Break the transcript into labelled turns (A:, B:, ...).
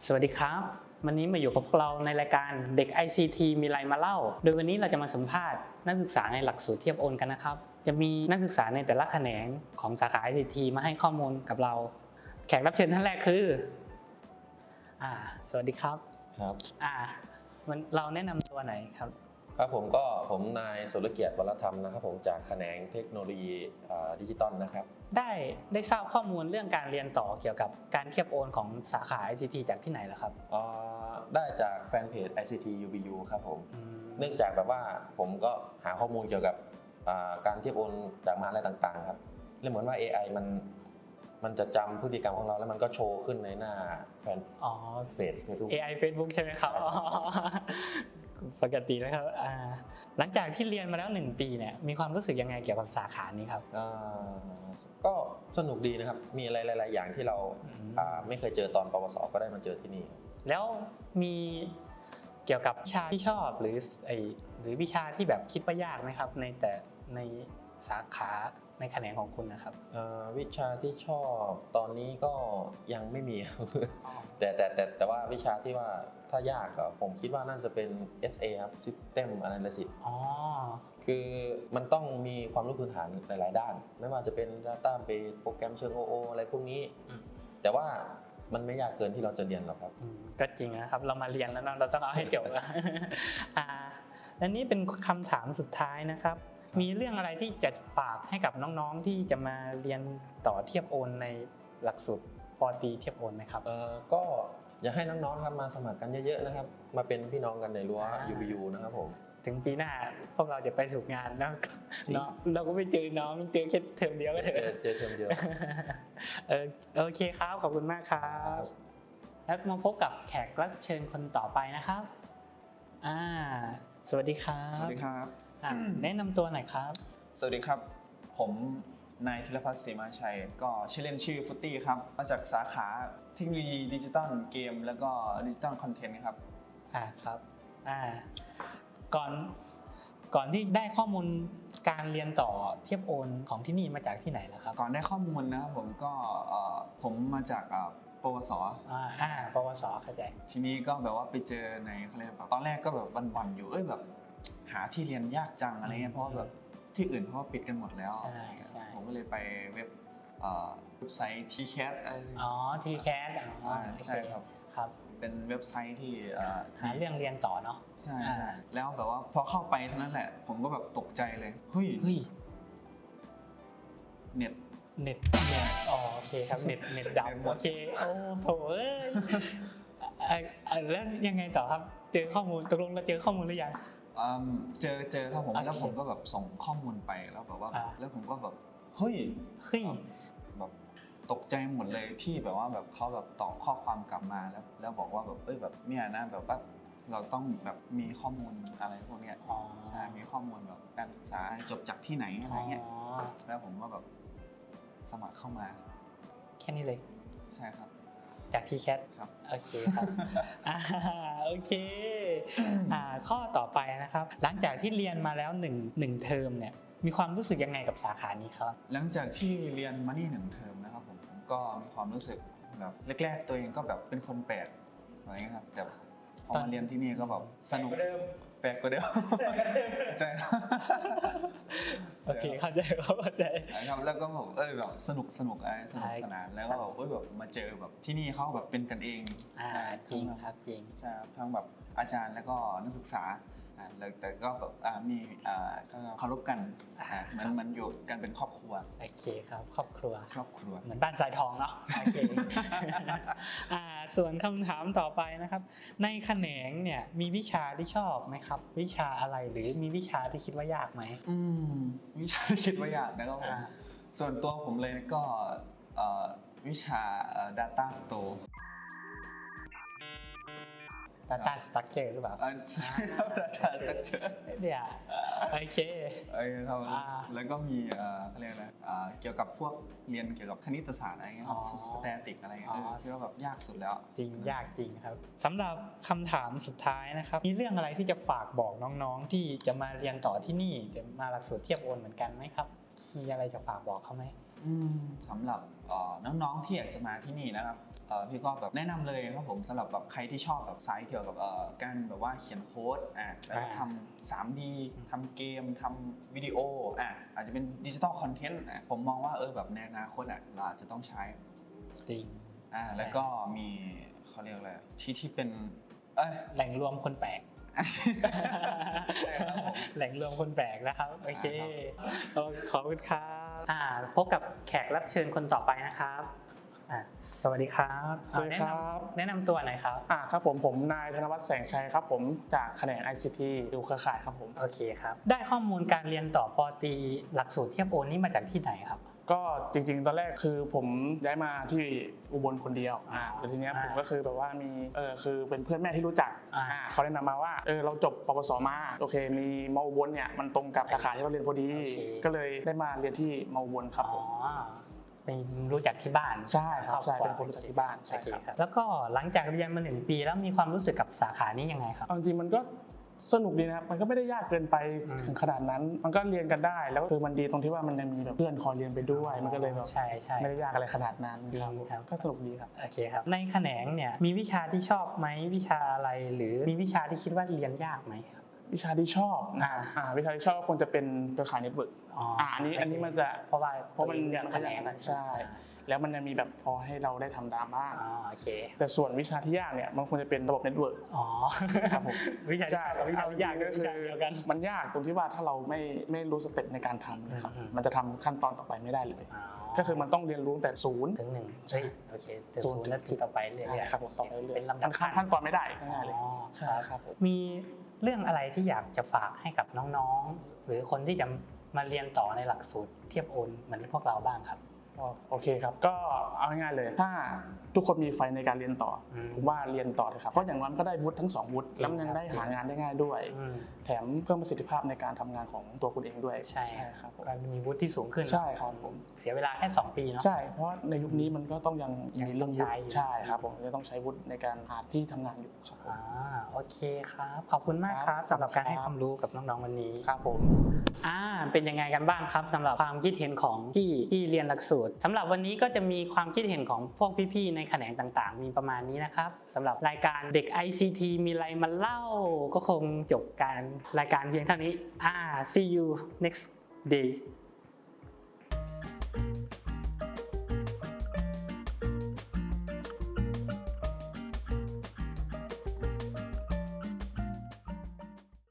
A: สวัสดีครับวันนี้มาอยู่กับพวกเราในรายการเด็ก ICT มีอะไรมาเล่าโดยวันนี้เราจะมาสัมภาษณ์นักศึกษาในหลักสูตรเทียบโอนกันนะครับจะมีนักศึกษาในแต่ละแขนงของสาขา ICT มาให้ข้อมูลกับเราแขกรับเชิญท่านแรกคือสวัสดีครับ
B: ครับ
A: เราแนะนำตัวไหนครับ
B: ครับผมนายสุรเกียรติวรธรรมนะครับผมจากแขนงเทคโนโลยีดิจิตอลนะครับ
A: ได้ทราบข้อมูลเรื่องการเรียนต่อเกี่ยวกับการเทียบโอนของสาขา ICT จากที่ไหนล่ะครับ
B: ได้จากแฟนเพจ ICT UBU ครับผมเนื่องจากแบบว่าผมก็หาข้อมูลเกี่ยวกับการเทียบโอนจากมหาลัยต่างๆครับเหมือนว่า AI มันจะจำพฤติกรรมของเราแล้วมันก็โชว์ขึ้นในหน้าแฟนเพจ Facebook
A: AI Facebook ใช่ไหมครับปกตินะครับหลังจากที่เรียนมาแล้ว1 ปีเนี่ยมีความรู้สึกยังไงเกี่ยวกับสาขานี้ครับ
B: ก็สนุกดีนะครับมีอะไรหลายๆอย่างที่เราไม่เคยเจอตอนปวสก็ได้มาเจอที่นี่
A: แล้วมีเกี่ยวกับวิชาที่ชอบหรือวิชาที่แบบคิดว่ายากไหมครับในสาขาในแขนงของคุณนะครับ
B: วิชาที่ชอบตอนนี้ก็ยังไม่มี แต่ว่าวิชาที่ว่าถ้ายากผมคิดว่าน่าจะเป็น SA ครับ System Analysis คือมันต้องมีความรู้พื้นฐานหลายๆด้านไม่ว่าจะเป็น Database โปรแกรมเชิง OO อะไรพวกนี้แต่ว่ามันไม่ยากเกินที่เราจะเรียนหรอกครับ
A: ก็จริงนะครับเรามาเรียนแล้วเราต้องเอาให้จบและนี่เป็นคำถามสุดท้ายนะครับมีเรื่องอะไรที่จะฝากให้กับน้องๆที่จะมาเรียนต่อเทียบโอนในหลักสูตรป.ตรีเทียบโอนไหมครับ
B: ก็อยากให้น้องๆครับมาสมัครกันเยอะๆนะครับมาเป็นพี่น้องกันในรั้ว UBU นะครับผม
A: ถึงปีหน้าพวกเราจะไปสู่งานแล้วเราก็ไม่เจอน้องเจอแค่เทอมเดียวก็เถอะ
B: เจอเทอมเดียว
A: โอเคครับขอบคุณมากครับแล้วมาพบกับแขกรับเชิญคนต่อไปนะครับสวัสดีครับ
C: สวัสดีครับ
A: แนะนำตัวหน่อยครับ
C: สวัสดีครับผมนายธีรพัฒน์ศรีมาชัยก็ชื่อเล่นชื่อฟุตตี้ครับมาจากสาขาเทคโนโลยีดิจิตอลเกมแล้วก็ดิจิตอลคอนเทนต์ครับ
A: ครับก่อนที่ได้ข้อมูลการเรียนต่อเทียบโอนของที่นี่มาจากที่ไหนล่ะครับ
C: ก่อนได้ข้อมูลนะครับผมมาจากปวส
A: ปวสเข้าใจ
C: ทีนี้ก็แบบว่าไปเจอในเขาเรียกตอนแรกก็แบบวันๆอยู่แบบหาที่เรียนยากจังอะไรเงี้ยเพราะแบบที่อื่นเขาปิดกันหมดแล้วผมก็เลยไปเว็บไซต์ TCAT
A: TCAT
C: ใช่ครับเป็นเว็บไซต์ที่
A: หาเรื่องเรียนต่อเนาะ
C: ใช่แล้วแบบว่าพอเข้าไปเท่านั้นแหละผมก็แบบตกใจเลยเฮ้ยเน็ต
A: โอเคครับเน็ตดับโอเคโอ้โถแล้วยังไงต่อครับเจอข้อมูลตกลงเราเจอข้อมูลหรือยัง
C: เจอครับผมแล้วผมก็แบบส่งข้อมูลไปแล้วแบบว่าแล้วผมก็แบบเฮ้ยแบบตกใจหมดเลยที่แบบว่าแบบเขาแบบตอบข้อความกลับมาแล้วบอกว่าแบบแบบเนี่ยนะแบบว่าเราต้องแบบมีข้อมูลอะไรพวกเนี้ยใช่มีข้อมูลแบบการศึกษาจบจากที่ไหนอะไรเงี้ยแล้วผมก็แบบสมัครเข้ามา
A: แค่นี้เลย
C: ใช่ครับ
A: จากที่แชท
C: ครับ
A: โอเคครับโอเคข้อต่อไปนะครับหลังจากที่เรียนมาแล้ว1เทอมเนี่ยมีความรู้สึกยังไงกับสาขานี้ครับ
C: หลังจากที่เรียนมานี่1เทอมนะครับผมก็มีความรู้สึกแบบแรกๆตัวเองก็แบบเป็นคนแปลกอะไรเงี้ยครับแต่พอมาเรียนที่นี่ก็แบบสนุกแปลกกว่าเดิมใช่
A: โอเคเข้าใจ
C: ครับแล้วก็แบบสนุกสนานแล้วก็แบบมาเจอแบบที่นี่เขาแบบเป็นกันเอง
A: จริงครับจริง
C: ใช่ครับทั้งแบบอาจารย์แล้วก็นักศึกษาแต่ก็แบบมีเคารพกันมันอยู่กันเป็นครอบครัว
A: โอเคครับครอบครัวเหมือนบ้านสายทองเนาะโอเคส่วนคำถามต่อไปนะครับในแขนงเนี่ยมีวิชาที่ชอบไหมครับวิชาอะไรหรือมีวิชาที่คิดว่ายากไหม
C: วิชาที่คิดว่ายากนะครับผมส่วนตัวผมเลยก็วิชา Data Store
A: Data Structure หรือเปล่า
C: ใช่ครับ Data Structure
A: เนี่ยโอเค
C: ครับแล้วก็มีเขาเรียกอะไรเกี่ยวกับพวกเรียนเกี่ยวกับคณิตศาสตร์อะไรเงี้ยสแตติกอะไรเงี้ยคิดว่าแบบยากสุดแล้ว
A: จริงยากจริงครับสำหรับคำถามสุดท้ายนะครับมีเรื่องอะไรที่จะฝากบอกน้องๆที่จะมาเรียนต่อที่นี่จะมาหลักสูตรเทียบโอนเหมือนกันไหมครับมีอะไรจะฝากบอกเขาไหม
C: สำหรับน้องๆที่อยากจะมาที่นี่นะครับพี่ก็แบบแนะนำเลยครับผมสำหรับแบบใครที่ชอบแบบสายเกี่ยวกับการแบบว่าเขียนโค้ดแล้วก็ทำ 3D ทำเกมทำวิดีโออาจจะเป็นดิจิทัลคอนเทนต์ผมมองว่าแบบในอนาคตเราอาจจะต้องใช้
A: จริง
C: แล้วก็มีเขาเรียกอะไรที่เป็น
A: แหล่งรวมคนแปลกแหล่งรวมคนแปลกนะครับโอเคขอบคุณครับพบกับแขกรับเชิญคนต่อไปนะครับสวัสดีครับ
D: สวัสดีครับ
A: แนะนำตัวหน่อยครับ
D: ครับผมนายธนวัฒน์แสงชัยครับผมจากแขนง ICT ดูเครือข่ายครับผม
A: โอเคครับได้ข้อมูลการเรียนต่อป.ตรีหลักสูตรเทียบโอนนี่มาจากที่ไหนครับ
D: ก็จริงๆตอนแรกคือผมย้ายมาที่อุบลคนเดียวแต่ทีเนี้ยผมก็คือแบบว่ามีคือเป็นเพื่อนแม่ที่รู้จักเขาแนะนำมาว่าเราจบปวสมาโอเคมีมอุบลเนี่ยมันตรงกับสาขาที่เราเรียนพอดีก็เลยได้มาเรียนที่มอุบลครับผม
A: เป็นรู้จักที่บ้าน
D: ใช่ครับใช่เป็นคนรู้จักที่บ้านใช่ครับ
A: แล้วก็หลังจากเรียนมา1 ปีแล้วมีความรู้สึกกับสาขานี้ยังไงครับ
D: จริงๆมันก็สนุกดีนะครับมันก็ไม่ได้ยากเกินไปถึงขนาดนั้นมันก็เรียนกันได้แล้วคือมันดีตรงที่ว่ามันยังมีแบบเพื่อนคอยเรียนไปด้วยมันก็เลยแบบไม่ได้ยากอะไรขนาดนั้นครับก็สนุกดีครับ
A: โอเคครับในแขนงเนี่ยมีวิชาที่ชอบไหมวิชาอะไรหรือมีวิชาที่คิดว่าเรียนยากไหม
D: วิชาที่ชอบวิชาที่ชอบก็คงจะเป็นเครือข่ายเน็ตเวิร์กอันนี้มันจะเพราะมันแขนงใช่แล้วมันจะมีแบบพอให้เราได้ทำตามบ้าง
A: โอเค
D: แต่ส่วนวิชาที่ยากเนี่ยมันควรจะเป็นระบบเน็ตเวิร์ก
A: ครับผมวิชาที่ยากก็คือ
D: มันยากตรงที่ว่าถ้าเราไม่รู้สเต็ปในการทำนะครับมันจะทำขั้นตอนต่อไปไม่ได้เลยก็คือมันต้องเรียนรู้แต่0
A: ถึง 1ใช่โอเคแต่0แล้วต่อไปเรื่อยๆ
D: ครับผมต่อไปเรื่อย
A: เป็นลำดับ
D: ขั้นตอนไม่ได้ง่ายเลย
A: ใช่ครับมีเรื่องอะไรที่อยากจะฝากให้กับน้องๆหรือคนที่จะมาเรียนต่อในหลักสูตรเทียบโอนเหมือนพวกเราบ้างครับ
D: โอเคครับก็เอาง่ายๆเลยถ้าทุกคนมีไฟในการเรียนต่อผมว่าเรียนต่อเลยครับเพราะอย่างนั้นก็ได้วุฒิทั้ง2วุฒิแล้วยังได้หางานได้ง่ายด้วยแถมเพิ่มประสิทธิภาพในการทำงานของตัวคุณเองด้วย
A: ใช่ครับก็มีวุฒิที่สูงขึ้น
D: ใช่ครับผม
A: เสียเวลาแค่2 ปีเนาะ
D: ใช่เพราะในยุคนี้มันก็ต้องยังมีเรื่องวุฒิใช่ครับผมจะต้องใช้วุฒิในการหาที่ทำงานอยู่ครับ
A: โอเคครับขอบคุณมากครับสำหรับการให้ความรู้กับน้องๆวันนี้
D: ครับผม
A: เป็นยังไงกันบ้างครับสำหรับความคิดเห็นของที่เรียนหลักสูตรสำหรับวันนี้ก็จะมีความคิดเห็นของพวกพี่ๆในแขนงต่างๆมีประมาณนี้นะครับสำหรับรายการเด็ก ICT มีอะไรมาเล่าก็คงจบการรายการเพียงเท่านี้see you next day